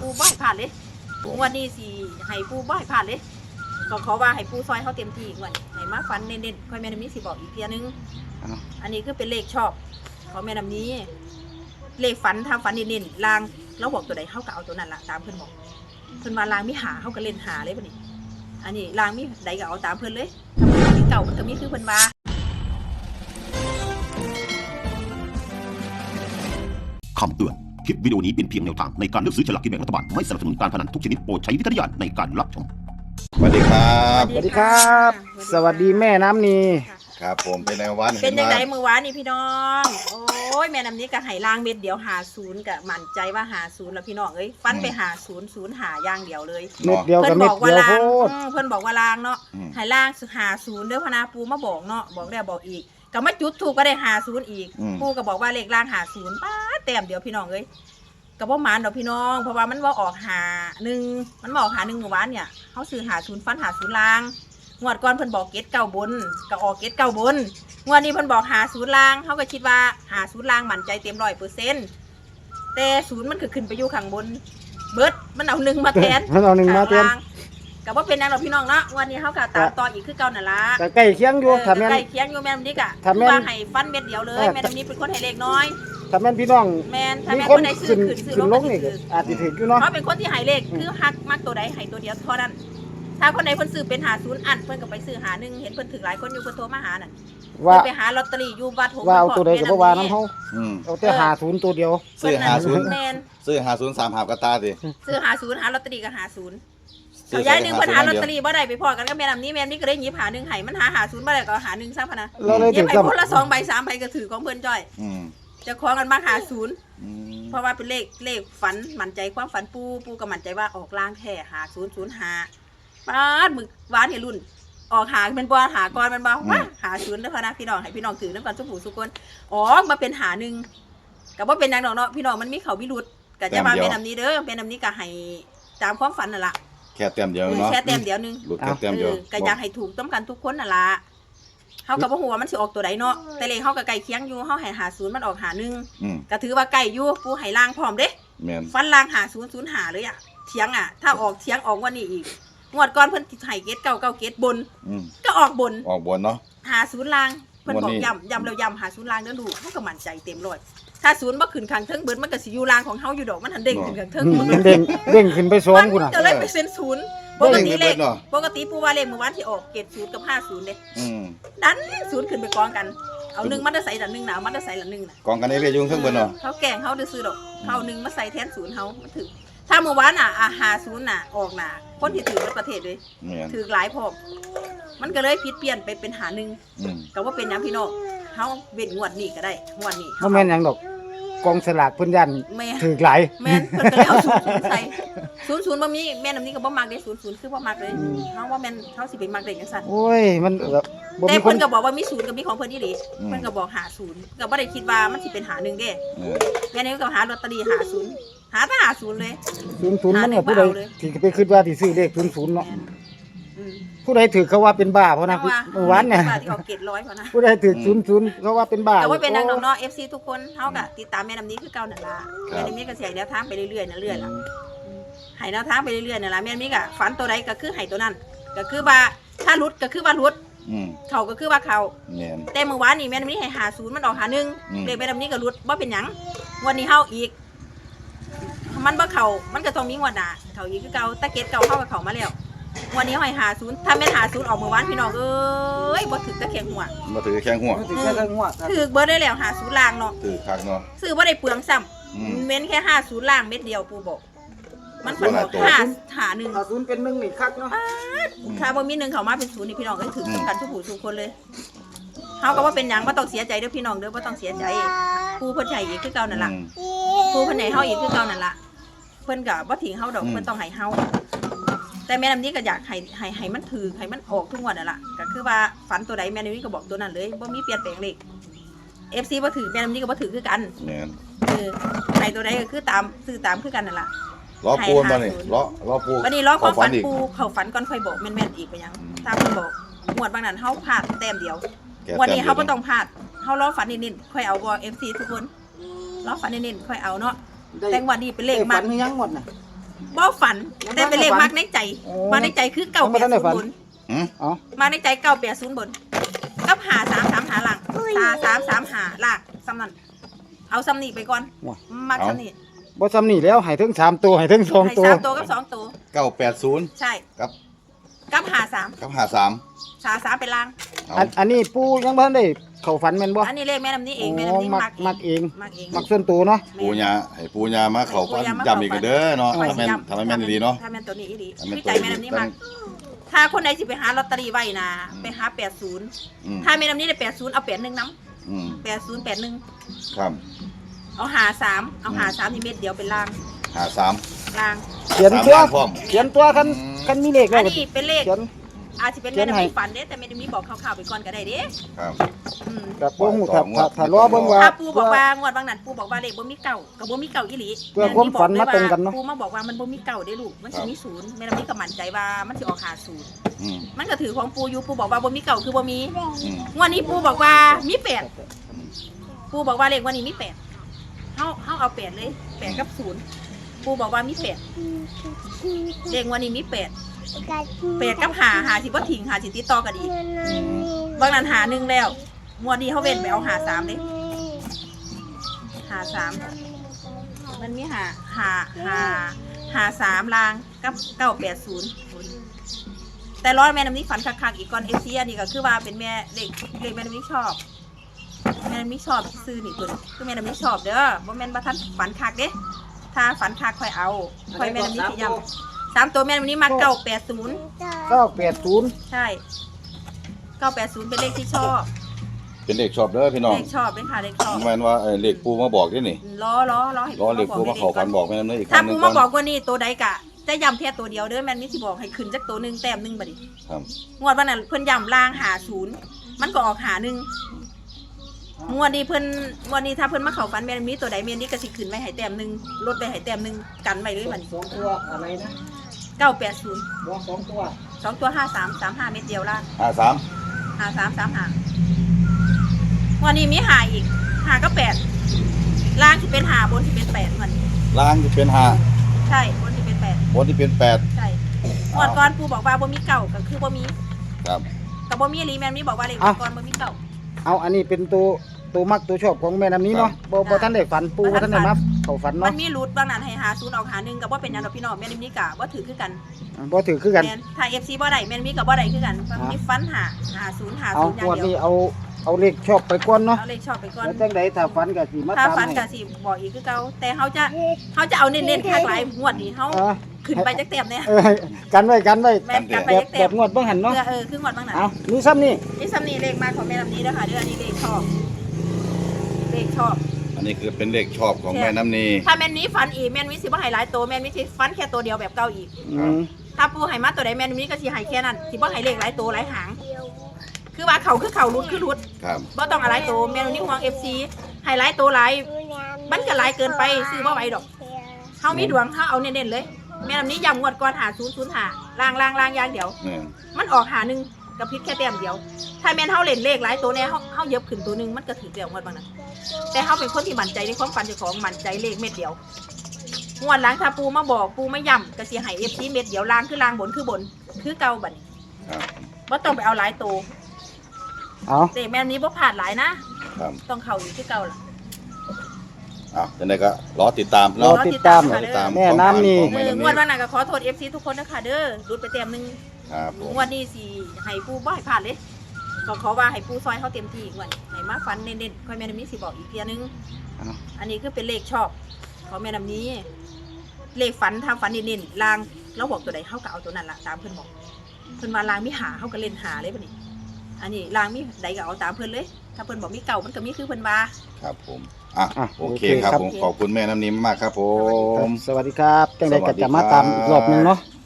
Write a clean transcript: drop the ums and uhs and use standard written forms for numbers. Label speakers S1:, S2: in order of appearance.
S1: บ่ให้ผ่านเลยงวดนี้สิให้ปูบ่ให้ผ่านเลยก็ขอว่าให้ปูซอยเขาเต็มที่งวดให้มาฟันเน้นๆค่อยแม่น้ำนี้สิบอกอีกเทียนึงอันนี้คือเป็นเลขชอบของแม่น้ำนี้เลขฝันถ้าฝันเน้นๆลางแล้วบอกตัวใดเขาก็เอาตัวนั้นละตามเพื่อนบอกเพื่อนมาลางมิหาเขาก็เล่นหาเลยป่ะนี่อันนี้ลางมิใดก็เอาตามเพื่อนเลยถ้ามันมีเก่ามันก็มีคือเพื่อนมา
S2: คำเตือนคลิปวิดีโอนี้เป็นเพียงแนวทางในการเลือกซื้อฉลากกินแบ่งรัฐบาลไม่สนับสนุนการพนันทุกชนิดโปรดใช้วิจารณญาณในการรับชม
S3: สวัสดีครับ
S4: สวัสดีครับ สวัสดีแม่น้ำนี
S3: ครับผมเป็นในวัน
S1: เป็นยังไงมือวานนี่พี่น้องโอ้ยแม่น้ำนี้ก็ให้ล่างเม็ดเดียว50ก็มั่นใจว่า50แล้วพี่น้องเอ้ยฟันไป50หาอย่างเดียวเลย
S4: เม็ดเดียวกับเม็ดเดียวโคตร
S1: เพิ่นบอกว่าล่างเนาะให้ล่าง50เด้อพนาปูมาบอกเนาะบอกแล้วบอกอีกก็มาจุดถูกก็ได้50อีกปูก็บอกว่าเลขล่าง50ป้าแต้มเดียวพี่น้องเอ้ยก็บ่หมานดอกพี่น้องเพราะว่ามันว่าออก51มันบอก51เมื่อวานเนี่ยเฮาซื้อ50ฟัน50ล่างงวดก่อนเพิ่นบอกเกตเก้าบนก็ออกเกตเก้าบนงวดนี้เพิ่นบอก50ล่างเฮาก็คิดว่า50ล่างมั่นใจเต็ม 100%แต่0มันคือขึ้นไปอยู่ข้างบนเบิดมันเอา1มาแทน
S4: มันเอา1มาแทน
S1: ก็บ่เป็นแนวหรอกพี่น้องเนาะวันนี้เฮาก็ตามต่ออีกคือเก่านั่นล่ะ
S4: แต่ใกล้เคียงอยู่ถ้าแม่น
S1: ใกล้เคียงอยู่แม่นำนี้ก็ว่าให้ฟันเม็ดเดียวเลยแม่นำนี้เป็นคนให้เลขน้อย
S4: ถ้าแม่นพี่น้อง
S1: แม่นถ้าแม่นคนใดซื้อขึ้น
S4: ลงนี่อาจสิถึงอยู่เนาะ
S1: เพราะเป็นคนที่ให้เลขคือฮักมักตัวใดให้ตัวเดียวเท่านั้นถ้าคนใดเพิ่นซื้อเป็น50อันเพิ่นก็ไปซื้อ51เห็นเพิ่นถึงหลายคนอยู่เพิ่นโทรมาหานั่นว่าไปหาลอตเตอรี่อยู่วัดหงส์
S4: ว่าเอาตัวใดก็บ่ว่านำเฮาเอาแต่50ตัวเดียว
S3: ซื้อ50แม่นซื้อ50 3หาบกระตาสิ
S1: ซื้อ50หาลอตเตอรี่ก็50เอาย้าย1เพิ่นหาลอตเตอรี่บ่ได้ไปพอกันก็แม่นำนี้แม่นนี่ก็ได้หยิบหา1ให้มันหา50บ่ได้ก็หา1ซะพะนะหยิบให้คนละ2ใบ3ใบก็ถือของเพิ่นจ้อยจะคล้องกันมา50เพราะว่าเป็นเลขฝันมั่นใจความฝันปูก็มั่นใจว่าออกล่างแท้5005ป้าดมึกหวานเฮรุ่นออกหาเป็นบ่หาก่อนมันบ่ว่าหา0เด้อพะนะพี่น้องให้พี่น้องถือนำกันทุกผู้ทุกคนอ๋อมาเป็นหา1ก็บ่เป็นหยังดอกเนาะพี่น้องมันมีเขามีหลุดก็จะมาเป็นนำนี้เด้อเป็นนำนี้ก็ให้ตามความฝันนั่นล่ะ
S3: แค่เต็มเดียวเนาะ
S1: แค่เต็มเดียวนึง
S3: หลุดแค่เต็มเดียว
S1: ก็อยากให้ถูกต้องกันทุกคนนั่นล่ะเฮาก็บ่ฮู้ว่ามันสิออกตัวใดเนาะแต่เลขเฮาก็ใกล้เคียงอยู่เฮาให้50มันออก51ก็ถือว่าใกล้อยู่ปูให้ล่างพร้อมเด้
S3: แม่น
S1: ฟันล่าง5005เลยอ่ะเถียงอ่ะถ้าออกเถียงออกวันนี้อีกงวดก่อนเพิ่นให้เกตเก้าเกตบนก็ออกบน
S3: เนาะ
S1: 50ล่างเพิ่นบอกย้ำแล้วย้ำ50ล่างเด้อลูกเฮาก็มั่นใจเต็มร้อยถ้า0บ่ขึ้นข้างเทิงเบิดมันก็สิอยู่ล่างของเฮาอยู่ดอกมันหันเด้งขึ้นข้างเทิง
S4: มันเด้งขึ้นไป2พุ่นน่ะ
S1: ก็เลยไปเซ็น0ปกติปูว่าเลขเมื่อวานที่ออกเกต0กับ50เด้ดัน0ขึ้นไปกองกันเอา1มาได้ใส่ละ1น่ะมาได้ใส่ละ1น่ะ
S3: กองกันได้เรียกยุ่งเทิงเบิดเนาะ
S1: เฮาแกล้งเฮาซื้อดอกเฮา1มาใส่แทน0เฮามันถึงถ้าเมื่อวานน่ะ50น่ะออกน่ะคนที่ถือในประเทศเลยถือหลายพอมันก็เลยผิดเปลี่ยนไปเป็น51ก็ว่าเป็นหยังพี่น้องเฮาเว้นงวดนี้ก็ได้งวดนี้
S4: บ่แม่นหยังดอกกองสลากเพิ่นยันถือหลาย
S1: แม่นเพิ่นก็เลยเอา00ใส่00บ่มีแม่นำนี้ก็บ่มักเด้00คือบ่มักเลยเฮาว่าแม่นเฮาสิไปมักได้จังซั่น
S4: โอ้ยมัน
S1: บ่มีคนแต่เพิ่นก็บอกว่ามี0กับมีของเพิ่นอีหลีเพิ่นก็บอก50ก็บ่ได้คิดว่ามันสิเป็น51เด้แม่นี่ก็หาลอตเตอรี่50หาแต่50เลย
S4: 00มันก็ผู้ใดที่ไปคิดว่าสิซื้อเลข00เนาะผู้ใดถือเขาว่าเป็นบ้าเพราะนะเมื่อวานเนี่ย
S1: ที่เขาเก็บ100เพราะนะ
S4: ผู้ใดถือ00เขาว่าเป็นบ้า
S1: แต่ว่าเป็นนางน้องๆ FC ทุกคนเฮาก็ติดตามแม่น้ำนี้คือเก่านั่นล่ะแม่น้ำนี้ก็สิให้แนวทางไปเรื่อยๆนั่นเรื่อยล่ะให้แนวทางไปเรื่อยๆนั่นล่ะแม่น้ำนี้ก็ฝันตัวใดก็คือให้ตัวนั้นก็คือว่าถ้าหลุดก็คือว่าหลุดเขาก็คือว่าเขาแต่เมื่อวานนี่แม่น้ำนี้ให้50มันออก51เลขแม่น้ำนี้ก็หลุดบ่เป็นหยังวันนี้เฮาอีกมันบ่เข้ามันก็ต้องมีงวดหน้าเข้าอีกคือเก่าตะเก็ดเก่าเข้ากับเขามาแล้ววันนี้ให้50ถ้าแม่น50ออกเมื่อวานพี่น้องเอ้ยบ่ถึกตะแคงหัว
S3: บ่ถือแข้งหัว
S4: ถือแค่หัว
S1: ถือเบิดได้แล้ว50ล่างเนาะ
S3: ถือคักเนาะ
S1: ซื้อบ่ได้เปลืองซ้ำเม้นแค่50ล่างเม็ดเดียวปูบอกมันฝันบอก51
S4: เป็น1นี่คักเนาะ
S1: ถ้าบ่มี1เข้ามาเป็น0นี่พี่น้องก็ถือกันทุกผู้ทุกคนเลยเฮาก็บ่เป็นหยังบ่ต้องเสียใจเด้อพี่น้องเด้อบ่ต้องเสียใจผู้เพิ่นให้อีกคือเก่านั่นล่ะผู้เพิ่นให้เฮาอีกคือเก่านั่นล่ะเพิ่นก็บ่ทิ้งเฮาดอกเพิ่นต้องให้เฮาแต่แม่น้ำนี้ก็อยากให้มันถือให้มันออกทุกวันนั่นแหละก็คือว่าฝันตัวใดแม่น้ำนี้ก็บอกตัวนั้นเลยว่ามีเปลี่ยนแปลงเลข FC บ่ถือแม่น้ำนี้ก็บ่ถือคือกันให้ตัวใดก็คือตามซื้อตามคือกันนั่นแหละ
S3: ล้อปูนมานี่ล้อปู
S1: วันนี้ล้อความฝันปูเขาฝันก่อนค่อยบอกแม่นๆอีกไปยังตามเพิ่นบอกงวดบางนั้นเฮาพลาดแต้มเดียววันนี้เฮาบ่ต้องพลาดเฮาล้อฝันนิดๆค่อยเอาบ่ FC ทุกคนล้อฝันนิดๆค่อยเอาเนาะแต่งวันนี้เป็นเลข
S4: มันยังหมดน่ะ
S1: บ่ฝันแต่เป็นเลขมักในใจมาในใจคือ980บน
S4: อ๋อ
S1: มาในใจ980บนกับ5335หาหลัง333หาหลักซ้ำนั้นเอาซ้ำนี่ไปก่อนมักซ้ำนี่
S4: บ่ซ้ำนี่แล้วให้ถึง3ตัวให้ถึง
S1: ให้
S4: 2ตัว
S1: 3ตัวกับ2ตัว
S3: 980
S1: ใช่
S3: กับ
S1: กับ53
S3: 53
S1: เป็นล่าง
S3: เอา
S4: อันนี้ปู่ยังบ่ทันได้เข้าฝันแม่นบ่
S1: อันนี้เลขแม่น้ำนี้เองแม่น้ำนี้มักเอง
S4: มักส่วนตัวเนาะ
S3: ปูญาให้ปูญามาเข้าฝันย้ำอีกเด้อเนาะถ้าแม่นแม่นดีเนาะ
S1: ถ้าแม่นตัวนี้อีหลี
S3: ถ้าแม่น
S1: คือใจแม่น้ำนี้มักถ้าคนใดสิไปหาลอตเตอรี่ไว้นะไปหา80ถ้าแม่น้ำนี้ได้80เอา81นำ8081
S3: ครับ
S1: เอา53นี่เม็ดเดียวเป็นล่าง
S3: 53
S1: ล่าง
S4: เขียนตัว
S3: 3ล้านพร้อม
S4: เขียนตัวคันมีเลขแล้
S1: อั
S4: วน
S1: นี้เป็นเลข
S4: เขียน
S1: อาจจะเป็นแม่น้ำนี้ฝันเด้แต่แม่น้ำนี้บอกข่าวๆไปก่อนก็ได้เด้
S3: ครับ
S4: กับบ่ฮู้ถ้ารอเบิ่งว่า
S1: ถ้าปูบอกว่างวดบางนั้นปูบอกว่าเลขบ่มีเก่ากับบ่มีเก่าอีหลี
S4: เพื่อความฝันมาตรงกันเนาะ
S1: ปูมาบอกว่ามันบ่มีเก่าได้ลูกมันสิมีศูนย์แม่น้ำนี้ก็มั่นใจว่ามันสิออก50
S3: อืม
S1: มันก็ถือของปูอยู่ปูบอกว่าบ่มีเก่าคือบ่มี
S3: อืม
S1: งวดนี้ปูบอกว่ามี8ปูบอกว่าเลขวันนี้มี8เฮาเอา8เลย8กับ0ปูบอกว่ามี8เลขวันนี้มี8 8กับ5สิบ่ทิ้ง5สิติดต่อกันอีกบางนั้นหา1แล้วงวดนี้เฮาเว้นไปเอาหา3เด้หา3มันมีหา3ลางกับ980แต่ร้อยแม่น้ำนี้ฝันคักๆอีกก่อน FC อันนี้ก็คือว่าเป็นแม่เลขแม่น้ำนี้ชอบแม่น้ำนี้ชอบซื้อนี่ตัวคือแม่น้ำนี้ชอบเด้อบ่แม่นว่าท่านฝันคักเด้ถ้าฝันคักค่อยเอาค่อยแม่น้ำนี้สิย้ำ3ตัวแม่น้ำนี้มา980
S4: 980
S1: ใช่980เป็นเลขที่ชอบ
S3: เป็นเลขชอบเด้อพี่น้อง
S1: เลขชอบเป็นค่ะเลขชอบ
S3: แม่นว่าเลขปูมาบอกด้วยนี่
S1: ล้อให้
S3: รอเลขปูมาเข้าฝันบอกแม่นำเด้ออีกค
S1: ถ้า
S3: รั้งหนึ
S1: ปู
S3: ง
S1: มาบอกว่านี่ตัวใดกะจะย้ำแค่ตัวเดียวเด้อแม่นมีสิบอกให้ขึ้นจากตัวหนึงแต้มหนึงบัดนี้
S3: ครับ
S1: งวดวันนั้นเพิ่นย้ำล่าง50มันก็ออก51งวดนี้ถ้าเพิ่นมาเข้าฝันแม่นมีตัวใดแม่นนี่ก็สิขึ้นไว้ให้แต้มหนึงลดไปให้แต้มหนึงกันไว้เลยบัดนี้
S4: 2ตัวอะไรนะ
S1: 980
S4: บ่2ตัว
S1: 2ตัว5335เม็ดเดียวล่าง
S3: 53
S1: 5335วันนี้มีหาอีก5กับ8ล่างสิเป็น5บนสิเป็น8มัน
S3: ล่างจะเป็น5
S1: ใช่บนสิเป็น8
S3: บนที่เป็น8
S1: ใช่งวดก่อนปูบอกว่าบ่มีเก่าก็คือบ่มี
S3: ครับ
S1: กับบ่มีอีหลีแม่นมีบอกว่าเลขก่อนบ่มีเก่า
S4: เอาอันนี้เป็นตัวมักตัวชอบของแม่น้ำนี้เนาะบ่ทันได้ฝันปู่บ่ทันได้มาเข้าฝัน
S1: มั
S4: เนาะ
S1: นมีรูทบางนั้นให้หาศูนย์ออกหาหนึ่งกับว่าเป็นหยังดอกพี่น้องแม่นมีกะบ่ถือคือกัน
S4: บ่ถือคือกัน
S1: แม่นถ้า FC บ่ได้แม่นมีกับบ่ได้คือกันมันมีฟันหาศูนย์อย่าง
S4: เอางวด
S1: เดี
S4: นี้
S1: ยว
S4: เอาเลขชอบไปก่อนเนาะ
S1: เอาเลขชอบไปก่อน
S4: แล้วจังไดถ้าฝันก็สิมา
S1: ถ้า
S4: ตาม
S1: ฟัน
S4: ให้
S1: ก็สิบอกอีกคือเก่าแต่เฮาจะเอาเน้นๆคักหลายงวดนี้เฮาขึ้นไปจักเต็มเนี่ย
S4: กันไว้
S1: แม่นกันไป
S4: แบบ
S1: จักเต็
S4: แบ
S1: ม
S4: บงวดเบิ่งหันเนาะ
S1: คืองวดบางนั้น
S4: เอานี่ซ้ำนี่
S1: นี่ซ้ำนี่เลขมาของแม่ลำนี้เด้อค่ะเด้ออันนี้เลขชอบเลขชอบ
S3: อันนี้คือเป็นเลขชอบของแม่น้ำนี
S1: ถ้าแม่นนี้ฟันอีกแม่นมีสิบ่ให้หลายตัวแม่นมีสิฟันแค่ตัวเดียวแบบเก่าอีก ถ้าปูให้มาตัวใดแม่นมีก็สิให้แค่นั้นสิบ่ให้เลขหลายตัวหลายหางคือว่าเขาคือเขารุดคือรุด
S3: ครับ
S1: บ่ต้องอะไรตัวแม่นนี่ห่วง FC ให้หลายตัวหลายมันก็หลายเกินไปซื้อบ่ไหวดอกเฮามีดวงเฮาเอาเน้นๆเลยแม่นนี้ย้ำงวดก่อน5005ล่างอย่างเดียว
S3: นี่
S1: มันออกหาหนึ่งกับพริกแค่แต้มเดียวถ้าแม่นเฮาเล่นเลขหลายตัวแน่เฮาเย็บขึ้นตัวนึงมันก็ถือเดียวงวดบางนั้นแต่เฮาเป็นคนที่มั่นใจในความฝันเจ้าของมั่นใจเลขเม็ดเดียวงวดหลังถ้าปูมาบอกปูไม่ย้ำก็สิให้ FC เม็ดเดียวล่างคือล่างบนคือบนคือเก่าบัดนี้
S3: ครับ
S1: บ่ต้องไปเอาหลายตัว
S4: เอา
S1: แต่แม่นนี้บ่พลาดหลายนะครับ ต้องเข้าอยู่ที่เก่าล่ะ
S3: จังไดก็รอติดตาม
S4: รอติดตาม
S3: รอติดตาม
S4: แม่น้ำนี่
S3: ของแม่น้ำ
S1: งวดวันนั้นก็ขอโทษ FC ทุกคนนะคะเด้อรุดไปแต้มนึง
S3: ครับผม
S1: งวดนี้สิให้ปูบ่ให้พลาดเลยก็ขอว่าให้ปูซอยเฮาเต็มที่งวดนี้ให้มาฟันเน้นๆค่อยแม่นำนี้สิบอกอีกเทียนึง อันนี้คือเป็นเลขชอบของแม่น้ำนี้ เลขฝันทางฝันเน้นๆลางเราบอกตัวใดเขาก็เอาตัวนั้นละตามเพื่อนบอกเพื่อนมาลางมีหาเขาก็เล่นหาเลยบัดนี้ อันนี้ลางมีใดก็เอาตามเพื่อนเลย ถ้าเพื่อนบอกมีเก่ามันก็มีคือเพื่อนว่า
S3: ครับผมโอเคครับ
S4: โอเคครับ
S3: ผมขอบคุณแม่น้ำนิ่มมากครับผม
S4: สวัสดีครับจังไดก็จะมาตามอีกรอบหนึงเนาะ